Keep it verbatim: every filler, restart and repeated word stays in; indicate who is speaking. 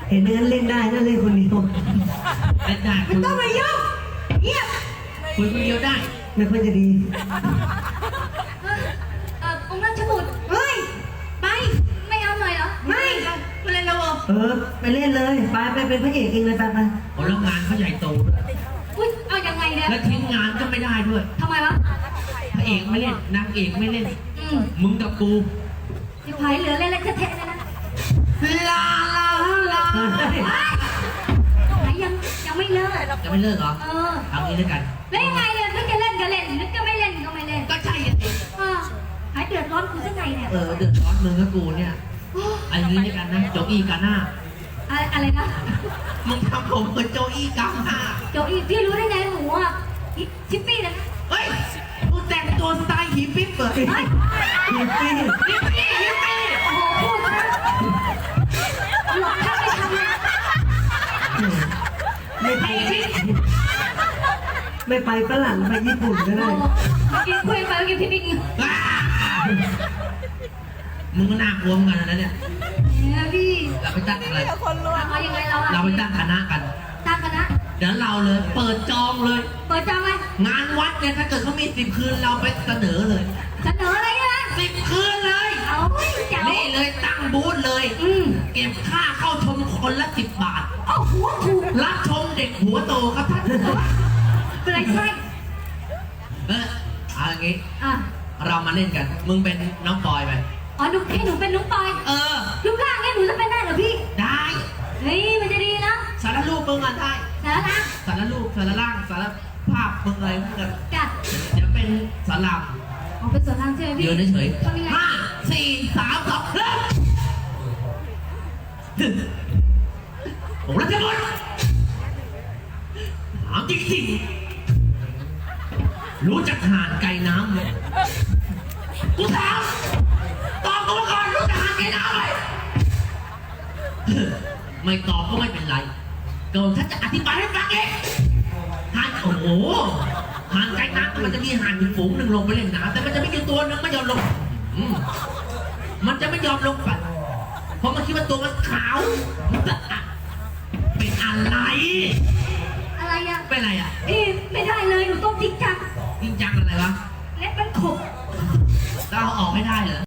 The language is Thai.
Speaker 1: เห็นงั้นเล่นได้น่าเล่นคนเดียว
Speaker 2: เล่นได้
Speaker 3: ไม่ต้องมายุ่งเงียบ
Speaker 2: คุยคนเดียวได้
Speaker 1: ไม่ค่อยจะดี
Speaker 4: เออเออองค์ราชบุตร
Speaker 3: เฮ้ยไป
Speaker 4: ไม่เอาหน่อยเหรอ
Speaker 3: ไม่ไม่เล่นแล้วเหรอ
Speaker 1: เออไปเล่นเลยไปไปเป็นพระเอกเองเลยไปไป
Speaker 2: โอ้แล้วงานเขาใหญ่โตด้วย
Speaker 4: อุ้ยเอายังไงเนี่ย
Speaker 2: แล้วทิ้งงานก็ไม่ได้ด้วย
Speaker 4: ทำไมวะ
Speaker 2: พระเอกไม่เล่นนางเอกไม่เล่น
Speaker 4: อืม
Speaker 2: มึงกับกู
Speaker 4: สิพายเหลือเล่นเล่นแท้ๆเลยนะ
Speaker 2: ลาลาลา
Speaker 4: ไหนยังยังไม่เลิก
Speaker 2: จะไม่เลิกเหรอ
Speaker 4: เออ
Speaker 2: เอางี้ด้วยกัน
Speaker 4: แล้วยังไงเนี่ยนึกจะเล่นก็เล่นนึกจะไม่เล่นก็ไม่เล่น
Speaker 2: ก็ใช่อ่ะสิ
Speaker 4: เออหายเดือดร้อนกูสักไงเนี่ย
Speaker 2: เออเดือดร้อนมึงกับกูเนี่ยเอันนี้ด้วยกันนะโจอี้กาหน้า
Speaker 4: อะไรอะไรนะ
Speaker 2: มึงทำผมเหมือนโจอี้กาหน้า
Speaker 4: โจอีพี่รู้ได้ไงหนูอ่ะอีชิปปี้นะ
Speaker 2: เฮ้ยมึงแต่งตัวสไตล์ฮิปปี้เปิด
Speaker 4: เฮ้ย
Speaker 1: ฮิปปี้
Speaker 2: ฮิปปี้ฮิปปี้
Speaker 4: โอ้โหพูดนะหลอกถ้าไม่ทำนะ
Speaker 1: ไม่ไปไม่ไปฝรั่งไปญี่ปุ่นก็
Speaker 4: โอ้
Speaker 1: ได้
Speaker 4: โหเมื่อกี้คุยไปเมื่อกี้พี่ปิ๊ก
Speaker 2: ว้ามึงก็น่ากลัวเหมือนกันนะเนี่ย
Speaker 4: เนี่ยพี่
Speaker 2: เราไปตั้งอะไร
Speaker 4: เอายังไงเราอะ
Speaker 2: เราไปตั้งคณะกัน
Speaker 4: ตั้งคณะ
Speaker 2: เดี๋ยวเราเลย เปิดจองเลย
Speaker 4: เปิดจองไหม
Speaker 2: งานวัดเนี่ยถ้าเกิดเขามีสิบคืนเราไปเสนอเลย
Speaker 4: เสนออะไรนะ
Speaker 2: สิบคืนเลย
Speaker 4: เอาเจ๋ว
Speaker 2: นี่เลยตั้งบูธเลย
Speaker 4: อืม
Speaker 2: เก็บค่าเข้าชมคนละสิบบาท
Speaker 4: โอ้โหถูก
Speaker 2: รับชมเด็กหัวโตครับท่าน
Speaker 4: เป็นไรใช่
Speaker 2: เออเอาอย่างงี้
Speaker 4: อ่ะ
Speaker 2: เรามาเล่นกัน มึงเป็นน้องปอยไป
Speaker 4: อ๋อหนูให้หนูเป็นนุ๊กปอย
Speaker 2: เออ
Speaker 4: รูปร่างเนี่ยหนูจะเป็นได้เหรอพี่
Speaker 2: ได้
Speaker 4: เฮ้ยมันจะดีนะ
Speaker 2: สารรูปมึงอ่ะได้
Speaker 4: สารนะ
Speaker 2: สารรูปสารล่างสารภาพมึงอะไรมึงกัน
Speaker 4: จ้ะ
Speaker 2: เดี๋ยวเป็นสารลาม
Speaker 4: เอาเป็นส่วนทางใช่ไหมพี่
Speaker 2: ยืนเฉย
Speaker 4: ทำยังไง
Speaker 2: ๆห้าสี่สามสองเริ่มผมรัชบุตรถามจริงๆรู้จักห่านไก่น้ำไหมกูถามตอบกูมาก่อนรู้จักห่านไก่น้ำไหมไม่ตอบก็ไม่เป็นไรเกิดถ้าจะอธิบายให้ฟังเองห่านโอ้โหห่านไก่น้ำมันจะมีห่านอยู่ฝูงหนึ่งลงไปเล่นน้ำแต่มันจะมีอยู่ตัวหนึ่งไม่ยอมลงอืมมันจะไม่ยอมลงไปเพราะมันคิดว่าตัวมันขาวมันจะอะเป็นอะไร
Speaker 4: อะไรอ่ะ
Speaker 2: เป็นอะไรอ่ะ
Speaker 4: พี่ไม่ได้เลยหนูต้องจริงจัง
Speaker 2: จริงจังอะไรวะ
Speaker 4: เล็บมันขบ
Speaker 2: เราเอาออกไม่ได้เหรอ